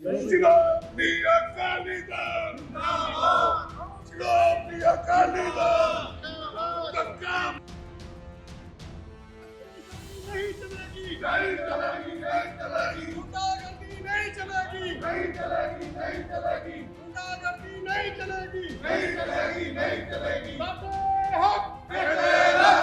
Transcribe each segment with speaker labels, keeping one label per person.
Speaker 1: ਸ਼੍ਰੋਮਣੀ ਅਕਾਲੀ ਦਲ ਜਿੰਦਾਬਾਦ। ਸ਼੍ਰੋਮਣੀ ਅਕਾਲੀ ਦਲ ਜਿੰਦਾਬਾਦ। नहीं चलेगी, नहीं चलेगी, नहीं चलेगी। गुंडागर्दी नहीं चलेगी, नहीं चलेगी, नहीं चलेगी। गुंडागर्दी नहीं चलेगी, नहीं चलेगी, नहीं चलेगी। साडे हक तेरा।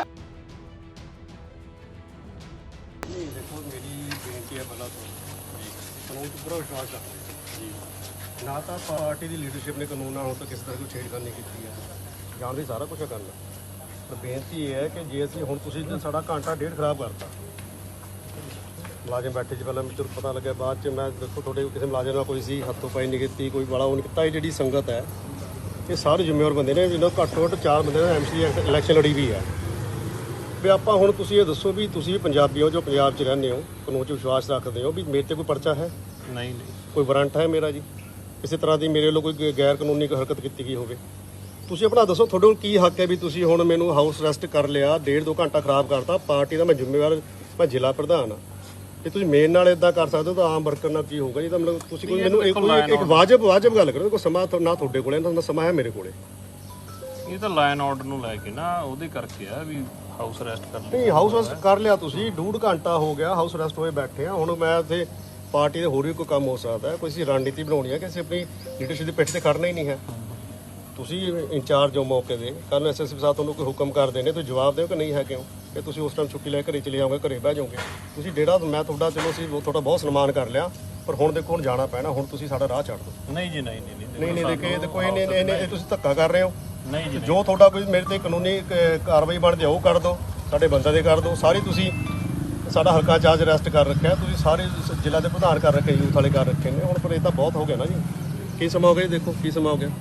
Speaker 2: नहीं देखो मेरी बेनती है पहला तो कानून तो पूरा विश्वास रखते जी ना तो पार्टी की लीडरशिप ने कानून ना हो तो किस तरह कोई छेड़खानी की है जानते सारा कुछ करना पर बेनती ये है कि जे असं हूँ तुम साढ़ा घंटा डेढ़ खराब करता मुलाजम बैठे से पहले मैं पता लगे बाद मैं देखो थोड़े किसी मुलाजम का कोई सी हथों पाई नहीं की कोई बड़ा वो नहीं किया ये जी संगत है ये सारे जिम्मेवार बंदे ने जिन्होंने घट्ट घट्ट 4 बंदे ने MC इलैक्शन लड़ी भी है भी आप हूँ तुम ये दसो भी तुम भी पंजाबी हो जो पंजाब च रहने हो कानून च विश्वास रखते हो भी मेरे से कोई परचा है
Speaker 3: नहीं
Speaker 2: कोई वारंट है मेरा जी किसी तरह की मेरे लोग कोई गैर कानूनी हरकत की गई होवे ਤੁਸੀਂ ਆਪਣਾ ਦੱਸੋ ਤੁਹਾਡੇ ਕੋਲ ਕੀ ਹੱਕ ਹੈ ਵੀ ਤੁਸੀਂ ਹੁਣ ਮੈਨੂੰ ਹਾਊਸ ਅਰੈਸਟ ਕਰ ਲਿਆ 1.5-2 ਘੰਟਾ ਖਰਾਬ ਕਰਤਾ ਪਾਰਟੀ ਦਾ ਮੈਂ ਜ਼ਿੰਮੇਵਾਰ ਮੈਂ ਜ਼ਿਲ੍ਹਾ ਪ੍ਰਧਾਨ ਆ ਜੇ ਤੁਸੀਂ ਮੇਨ ਨਾਲ ਇਦਾਂ ਕਰ ਸਕਦੇ ਹੋ ਤਾਂ ਆਮ ਵਰਕਰ ਨਾਲ ਕੀ ਹੋਊਗਾ ਜੀ ਤਾਂ ਮਤਲਬ ਤੁਸੀਂ ਕੋਈ ਮੈਨੂੰ ਇੱਕ ਵਾਜਬ ਗੱਲ ਕਰੋ ਕੋਈ ਸਮਾਂ ਨਾ ਤੁਹਾਡੇ ਕੋਲੇ ਨਾ ਸਮਾਂ ਹੈ ਮੇਰੇ ਕੋਲੇ
Speaker 3: ਇਹ ਤਾਂ ਲਾਈਨ ਆਰਡਰ ਨੂੰ ਲੈ ਕੇ ਨਾ ਉਹਦੇ ਕਰਕੇ ਆ ਵੀ ਹਾਊਸ ਅਰੈਸਟ ਕਰ ਲਿਆ
Speaker 2: ਨਹੀਂ ਹਾਊਸ ਅਰੈਸਟ ਕਰ ਲਿਆ ਤੁਸੀਂ 1.5 ਘੰਟਾ ਹੋ ਗਿਆ ਹਾਊਸ ਅਰੈਸਟ ਹੋਏ ਬੈਠੇ ਆ ਹੁਣ ਮੈਂ ਇੱਥੇ ਪਾਰਟੀ ਦੇ ਹੋਰ ਵੀ ਕੋਈ ਕੰਮ ਹੋ ਸਕਦਾ ਕੋਈ ਸੀ ਰਣਨੀਤੀ ਬਣਾਉਣੀ ਹੈ ਕਿ ਅਸੀਂ ਆਪਣੀ ਲੀਡਰਸ਼ਿਪ ਦੀ ਪਿੱਠ ਤੇ ਖੜਨਾ ਹੀ ਨਹੀਂ ਹੈ ਤੁਸੀਂ ਇੰਚਾਰਜ ਹੋ ਮੌਕੇ ਦੇ ਕੱਲ੍ਹ ਨੂੰ SSP ਸਾਹਿਬ ਤੁਹਾਨੂੰ ਕੋਈ ਹੁਕਮ ਕਰਦੇ ਨੇ ਤੁਸੀਂ ਜਵਾਬ ਦਿਓ ਕਿ ਨਹੀਂ ਹੈ ਕਿਉਂ ਕਿ ਤੁਸੀਂ ਉਸ ਟਾਈਮ ਛੁੱਟੀ ਲੈ ਘਰੇ ਚਲੇ ਜਾਓਗੇ ਘਰੇ ਬਹਿ ਜਾਓਗੇ ਤੁਸੀਂ ਜਿਹੜਾ ਮੈਂ ਤੁਹਾਡਾ ਚਲੋ ਅਸੀਂ ਤੁਹਾਡਾ ਬਹੁਤ ਸਨਮਾਨ ਕਰ ਲਿਆ ਪਰ ਹੁਣ ਦੇਖੋ ਹੁਣ ਜਾਣਾ ਪੈਣਾ ਹੁਣ ਤੁਸੀਂ ਸਾਡਾ ਰਾਹ ਛੱਡ ਦਿਓ
Speaker 3: ਨਹੀਂ ਜੀ
Speaker 2: ਨਹੀਂ ਦੇਖੇ ਤੇ ਕੋਈ ਨਹੀਂ ਤੁਸੀਂ ਧੱਕਾ ਕਰ ਰਹੇ ਹੋ
Speaker 3: ਨਹੀਂ ਜੀ
Speaker 2: ਜੋ ਤੁਹਾਡਾ ਕੋਈ ਮੇਰੇ ਤੇ ਕਾਨੂੰਨੀ ਕਾਰਵਾਈ ਬਣਦੀ ਉਹ ਕਰ ਦਿਓ ਸਾਡੇ ਬੰਦਾ ਦੇ ਕਰ ਦਿਓ ਸਾਰੀ ਤੁਸੀਂ ਸਾਡਾ ਹਲਕਾ ਚਾਰਜ ਅਰੈਸਟ ਕਰ ਰੱਖਿਆ ਤੁਸੀਂ ਸਾਰੇ ਜ਼ਿਲ੍ਹਾ ਦੇ ਪ੍ਰਧਾਨ ਕਰ ਰੱਖੇ ਯੂਥ ਵਾਲੇ ਕਰ ਰੱਖੇ ਨੇ ਹੁਣ ਪਰ ਇਹ ਤਾਂ ਬਹੁਤ ਹੋ ਗਿਆ ਨਾ ਜੀ ਕੀ ਸਮਾਂ ਹੋ ਗਿਆ ਜੀ ਦੇਖੋ ਕੀ ਸਮਾਂ ਹੋ ਗਿਆ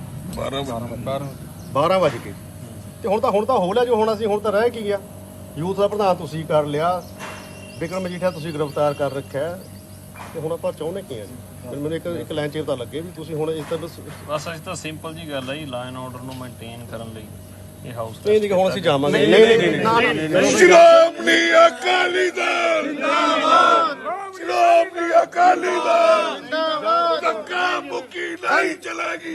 Speaker 2: 12 ਵਜੇ ਕੇ ਤੇ ਹੁਣ ਤਾਂ ਹੋ ਲਿਆ ਜੋ ਹੋਣਾ ਸੀ ਹੁਣ ਤਾਂ ਰਹਿ ਕੀ ਗਿਆ ਯੂਥ ਦਾ ਪ੍ਰਧਾਨ ਤੁਸੀਂ ਕਰ ਲਿਆ ਵਿਕਰਮ ਮਜੀਠੀਆ ਤੁਸੀਂ ਗ੍ਰਿਫਤਾਰ ਕਰ ਰੱਖਿਆ ਤੇ ਹੁਣ ਆਪਾਂ ਚਾਹੁੰਦੇ ਕੀ ਆ ਜੀ ਮੈਨੂੰ ਇੱਕ ਲਾਈਨ 'ਚ ਪਤਾ ਲੱਗੇ ਵੀ ਤੁਸੀਂ ਹੁਣ ਇਸ ਤਾਂ ਬਸ
Speaker 3: ਅਸੀਂ ਤਾਂ ਸਿੰਪਲ ਜੀ ਗੱਲ ਹੈ ਜੀ ਲਾਈਨ ਆਰਡਰ ਨੂੰ ਮੇਨਟੇਨ ਕਰਨ ਲਈ ਇਹ ਹਾਊਸ
Speaker 2: ਨਹੀਂ ਹੁਣ ਅਸੀਂ ਜਾਵਾਂਗੇ ਨਹੀਂ
Speaker 1: ਸ਼੍ਰੋਮਣੀ ਅਕਾਲੀ ਦਲ ਜਿੰਦਾਬਾਦ। ਸ਼੍ਰੋਮਣੀ ਅਕਾਲੀ ਦਲ ਜਿੰਦਾਬਾਦ। ਧੱਕਾ ਮੁੱਕੀ ਨਹੀਂ ਚਲੇਗੀ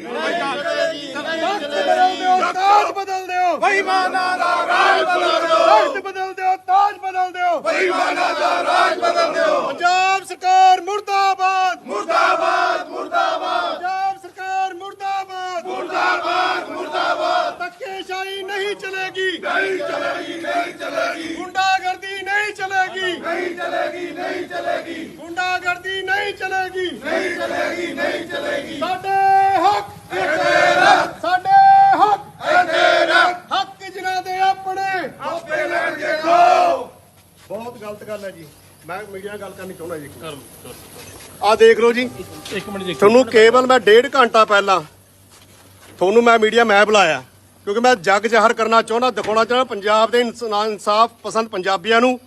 Speaker 1: ਤਾਜ ਬਦਲ ਦਿਓ ਬੇਈਮਾਨਾਂ ਦਾ ਰਾਜ ਬਦਲ ਦਿਓ ਬਦਲ ਦਿਓ ਤਾਜ ਬਦਲ ਦਿਓ ਬੇਈਮਾਨਾਂ ਦਾ ਰਾਜ ਬਦਲ ਦਿਓ ਪੰਜਾਬ ਸਰਕਾਰ ਮੁਰਦਾਬਾਦ ਮੁਰਦਾਬਾਦ ਮੁਰਦਾਬਾਦ ਪੰਜਾਬ ਸਰਕਾਰ ਮੁਰਦਾਬਾਦ ਮੁਰਦਾਬਾਦ ਮੁਰਦਾਬਾਦ ਧੱਕੇਸ਼ਾਹੀ ਨਹੀਂ ਚਲੇਗੀ ਨਹੀਂ ਚਲੇਗੀ ਨਹੀਂ ਚਲੇਗੀ ਗੁੰਡਾਗਰਦੀ ਨਹੀਂ ਚਲੇਗੀ ਨਹੀਂ ਚਲੇਗੀ ਨਹੀਂ ਚਲੇਗੀ ਗੁੰਡਾਗਰਦੀ ਨਹੀਂ ਚਲੇਗੀ ਨਹੀਂ ਚਲੇਗੀ ਨਹੀਂ ਚਲੇਗੀ ਸਾਡੇ ਹੱਕ ਤੇਰਾ ਸਾਡੇ ਹੱਕ ਤੇਰਾ ਹੱਕ ਜਿਨ੍ਹਾਂ ਦੇ ਆਪਣੇ ਆਪੇ ਲੈਣਗੇ ਖੋ
Speaker 2: ਬਹੁਤ ਗਲਤ ਗੱਲ ਹੈ ਜੀ ਮੈਂ ਮੀਡੀਆ ਨਾਲ ਗੱਲ ਕਰਨੀ ਚਾਹੁੰਦਾ ਜੀ
Speaker 3: ਕਰ
Speaker 2: ਆ ਦੇਖ ਲਓ ਜੀ
Speaker 3: ਇੱਕ ਮਿੰਟ ਦੇਖੋ
Speaker 2: ਤੁਹਾਨੂੰ ਕੇਵਲ ਮੈਂ 1.5 ਘੰਟਾ ਪਹਿਲਾਂ ਤੁਹਾਨੂੰ ਮੈਂ ਮੀਡੀਆ ਮੈਂ ਬੁਲਾਇਆ ਕਿਉਂਕਿ ਮੈਂ ਜੱਗ ਜ਼ਾਹਰ ਕਰਨਾ ਚਾਹੁੰਦਾ ਦਿਖਾਉਣਾ ਚਾਹੁੰਦਾ ਪੰਜਾਬ ਦੇ ਇਨਸਾਫ ਪਸੰਦ ਪੰਜਾਬੀਆਂ ਨੂੰ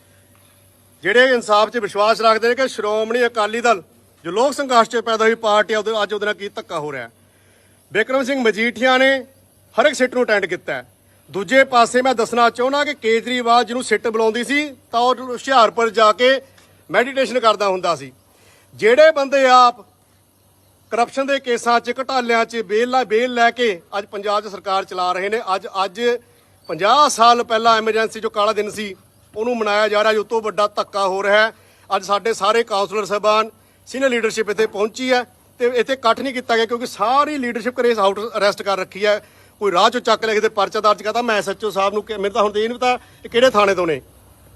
Speaker 2: ਜਿਹੜੇ ਇਨਸਾਫ 'ਚ ਵਿਸ਼ਵਾਸ ਰੱਖਦੇ ਨੇ ਕਿ ਸ਼੍ਰੋਮਣੀ ਅਕਾਲੀ ਦਲ ਜੋ ਲੋਕ ਸੰਘਰਸ਼ 'ਚ ਪੈਦਾ ਹੋਈ ਪਾਰਟੀ ਅੱਜ ਉਹਦੇ ਨਾਲ ਕੀ ਧੱਕਾ ਹੋ ਰਿਹਾ ਬਿਕਰਮ ਸਿੰਘ ਮਜੀਠੀਆ ਨੇ ਹਰ ਇੱਕ ਸਿੱਟ ਨੂੰ ਅਟੈਂਡ ਕੀਤਾ ਹੈ ਦੂਜੇ ਪਾਸੇ ਮੈਂ ਦੱਸਣਾ ਚਾਹੁੰਦਾ ਕਿ ਕੇਜਰੀਵਾਲ ਜਿਹਨੂੰ ਸਿੱਟ ਬੁਲਾਉਂਦੀ ਸੀ ਤਾਂ ਉਹ ਹੁਸ਼ਿਆਰਪੁਰ ਜਾ ਕੇ ਮੈਡੀਟੇਸ਼ਨ ਕਰਦਾ ਹੁੰਦਾ ਸੀ ਜਿਹੜੇ ਬੰਦੇ ਆਪ ਕਰਪਸ਼ਨ ਦੇ ਕੇਸਾਂ 'ਚ ਘਟਾਲਿਆਂ 'ਚ ਬੇਲ ਲੈ ਕੇ ਅੱਜ ਪੰਜਾਬ 'ਚ ਸਰਕਾਰ ਚਲਾ ਰਹੇ ਨੇ ਅੱਜ 50 ਸਾਲ ਪਹਿਲਾਂ ਐਮਰਜੈਂਸੀ ਜੋ ਕਾਲਾ ਦਿਨ ਸੀ ਉਹਨੂੰ ਮਨਾਇਆ ਜਾ ਰਿਹਾ ਜੋ ਤੋਂ ਵੱਡਾ ਧੱਕਾ ਹੋ ਰਿਹਾ ਹੈ ਅੱਜ ਸਾਡੇ ਸਾਰੇ ਕਾਉਂਸਲਰ ਸਾਹਿਬਾਨ ਸੀਨੀਅਰ ਲੀਡਰਸ਼ਿਪ ਇੱਥੇ ਪਹੁੰਚੀ ਹੈ ਤੇ ਇੱਥੇ ਇਕੱਠ ਨਹੀਂ ਕੀਤਾ ਗਿਆ ਕਿਉਂਕਿ ਸਾਰੀ ਲੀਡਰਸ਼ਿਪ ਕਰੇ ਹਾਊਸ ਅਰੈਸਟ ਕਰ ਰੱਖੀ ਹੈ ਕੋਈ ਰਾਹ 'ਚੋਂ ਚੱਕ ਲੈ ਕੇ ਤੇ ਪਰਚਾ ਦਰਜ ਕਰਤਾ ਮੈਂ SHO ਸਾਹਿਬ ਨੂੰ ਮੈਨੂੰ ਤਾਂ ਹੁਣ ਇਹ ਨਹੀਂ ਪਤਾ ਇਹ ਕਿਹੜੇ ਥਾਣੇ ਤੋਂ ਨੇ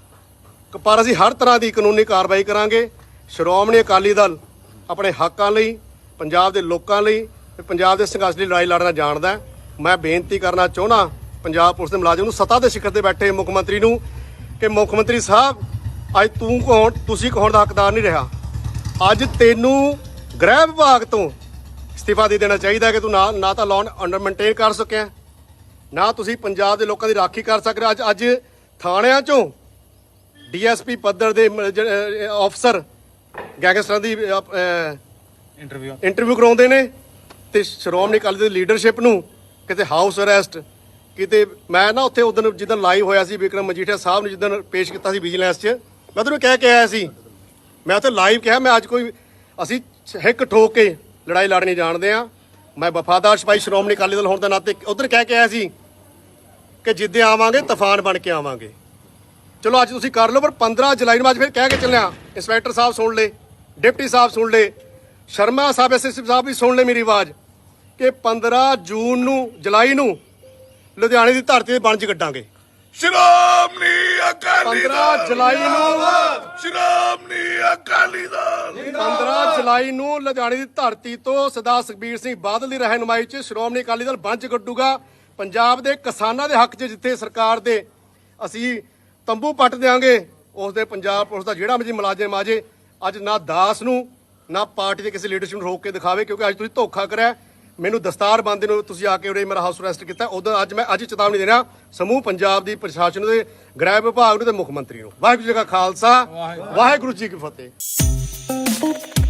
Speaker 2: ਪਰ ਅਸੀਂ ਹਰ ਤਰ੍ਹਾਂ ਦੀ ਕਾਨੂੰਨੀ ਕਾਰਵਾਈ ਕਰਾਂਗੇ ਸ਼੍ਰੋਮਣੀ ਅਕਾਲੀ ਦਲ ਆਪਣੇ ਹੱਕਾਂ ਲਈ ਪੰਜਾਬ ਦੇ ਲੋਕਾਂ ਲਈ ਤੇ ਪੰਜਾਬ ਦੇ ਸੰਘਰਸ਼ ਲਈ ਲੜਾਈ ਲੜਨਾ ਜਾਣਦਾ ਮੈਂ ਬੇਨਤੀ ਕਰਨਾ ਚਾਹੁੰਦਾ ਪੰਜਾਬ ਪੁਲਿਸ ਦੇ ਮੁਲਾਜ਼ਮ ਨੂੰ ਸੱਤਾ ਦੇ ਸਿਖਰ ਤੇ ਬੈਠੇ ਮੁੱਖ ਮੰਤਰੀ ਨੂੰ ਕਿ ਮੁੱਖ ਮੰਤਰੀ ਸਾਹਿਬ ਅੱਜ ਤੁਸੀਂ ਕੌਣ ਦਾ ਹੱਕਦਾਰ ਨਹੀਂ ਰਿਹਾ ਅੱਜ ਤੈਨੂੰ ਗ੍ਰਹਿ ਵਿਭਾਗ ਤੋਂ ਅਸਤੀਫਾ ਦੇ ਦੇਣਾ ਚਾਹੀਦਾ ਕਿ ਤੂੰ ਨਾ ਤਾਂ ਲਾਅ ਅੰਡਰ ਮੇਨਟੇਨ ਕਰ ਸਕਿਆ ਨਾ ਤੁਸੀਂ ਪੰਜਾਬ ਦੇ ਲੋਕਾਂ ਦੀ ਰਾਖੀ ਕਰ ਸਕ ਰਹੇ ਅੱਜ ਥਾਣਿਆਂ 'ਚੋਂ DSP ਪੱਧਰ ਦੇ ਅਫਸਰ ਗੈਂਗਸਟਰਾਂ ਦੀ ਇੰਟਰਵਿਊ ਕਰਾਉਂਦੇ ਨੇ ਤੇ ਸ਼੍ਰੋਮਣੀ ਅਕਾਲੀ ਦਲ ਦੀ ਲੀਡਰਸ਼ਿਪ ਨੂੰ ਕਿਤੇ ਹਾਊਸ ਅਰੈਸਟ ਕਿਤੇ ਮੈਂ ਨਾ ਉੱਥੇ ਉਦੋਂ ਜਿੱਦਣ ਲਾਈਵ ਹੋਇਆ ਸੀ ਵਿਕਰਮ ਮਜੀਠੀਆ ਸਾਹਿਬ ਨੂੰ ਜਿੱਦਣ ਪੇਸ਼ ਕੀਤਾ ਸੀ ਵਿਜੀਲੈਂਸ 'ਚ ਮੈਂ ਤੁਹਾਨੂੰ ਕਹਿ ਕੇ ਆਇਆ ਸੀ ਮੈਂ ਉੱਥੇ ਲਾਈਵ ਕਿਹਾ ਮੈਂ ਅੱਜ ਕੋਈ ਅਸੀਂ ਹਿੱਕ ਠੋਕ ਕੇ ਲੜਾਈ ਲੜਨੀ ਜਾਣਦੇ ਆ। ਮੈਂ ਵਫਾਦਾਰ ਸਿਪਾਹੀ ਸ਼੍ਰੋਮਣੀ ਅਕਾਲੀ ਦਲ ਹੋਣ ਦੇ ਨਾਤੇ ਉਧਰ ਕਹਿ ਕੇ ਆਇਆ ਸੀ ਕਿ ਜਿੱਦੇ ਆਵਾਂਗੇ ਤੂਫਾਨ ਬਣ ਕੇ ਆਵਾਂਗੇ। ਚਲੋ ਅੱਜ ਤੁਸੀਂ ਕਰ ਲਓ, ਪਰ 15 ਜੁਲਾਈ ਨੂੰ ਅੱਜ ਫਿਰ ਕਹਿ ਕੇ ਚੱਲਿਆ। ਇੰਸਪੈਕਟਰ ਸਾਹਿਬ ਸੁਣ ਲੈ, ਡਿਪਟੀ ਸਾਹਿਬ ਸੁਣ ਲੈ, ਸ਼ਰਮਾ ਸਾਹਿਬ ਐਸਐਸਪੀ ਸਾਹਿਬ ਵੀ ਸੁਣ ਲੈ ਮੇਰੀ ਆਵਾਜ਼ ਕਿ 15 ਜੁਲਾਈ ਨੂੰ ਲੁਧਿਆਣੇ ਦੀ ਧਰਤੀ ਤੇ ਬਣਜ ਕੱਢਾਂਗੇ।
Speaker 1: ਸ਼੍ਰੋਮਣੀ ਅਕਾਲੀ
Speaker 2: 15 ਜੁਲਾਈ ਨੂੰ
Speaker 1: ਸ਼੍ਰੋਮਣੀ ਅਕਾਲੀ ਦਲ
Speaker 2: 15 ਜੁਲਾਈ ਨੂੰ ਲੁਧਿਆਣੇ ਦੀ ਧਰਤੀ ਤੋਂ ਸਰਦਾਰ ਸੁਖਬੀਰ ਸਿੰਘ ਬਾਦਲ ਦੀ ਰਹਿਨੁਮਾਈ 'ਚ ਸ਼੍ਰੋਮਣੀ ਅਕਾਲੀ ਦਲ ਬਣਜ ਕੱਢੂਗਾ। ਪੰਜਾਬ ਦੇ ਕਿਸਾਨਾਂ ਦੇ ਹੱਕ 'ਚ ਜਿੱਥੇ ਸਰਕਾਰ ਦੇ ਅਸੀਂ ਤੰਬੂ ਪੱਟ ਦਿਆਂਗੇ, ਉਸ ਦੇ ਪੰਜਾਬ ਪੁਲਿਸ ਦਾ ਜਿਹੜਾ ਮਰਜ਼ੀ ਮੁਲਾਜ਼ਮ ਆ ਜੇ, ਅੱਜ ਨਾ ਦਾਸ ਨੂੰ ਨਾ ਪਾਰਟੀ ਦੇ ਕਿਸੇ ਲੀਡਰਸ਼ਿਪ ਨੂੰ ਰੋਕ ਕੇ ਦਿਖਾਵੇ, ਕਿਉਂਕਿ ਅੱਜ ਤੁਸੀਂ ਧੋਖਾ ਕਰਿਆ। ਮੈਨੂੰ ਦਸਤਾਰ ਬੰਦੇ ਨੂੰ ਤੁਸੀਂ ਆ ਕੇ ਉਰੇ ਮੇਰਾ ਹਾਊਸ ਅਰੈਸਟ ਕੀਤਾ। ਉਦੋਂ ਅੱਜ ਮੈਂ ਚੇਤਾਵਨੀ ਦੇਣਾ ਸਮੂਹ ਪੰਜਾਬ ਦੀ ਪ੍ਰਸ਼ਾਸਨ ਦੇ ਗ੍ਰਹਿ ਵਿਭਾਗ ਨੂੰ ਤੇ ਮੁੱਖ ਮੰਤਰੀ ਨੂੰ। ਵਾਹਿਗੁਰੂ ਜੀ ਕਾ ਖਾਲਸਾ, ਵਾਹਿਗੁਰੂ ਜੀ ਕੀ ਫਤਿਹ।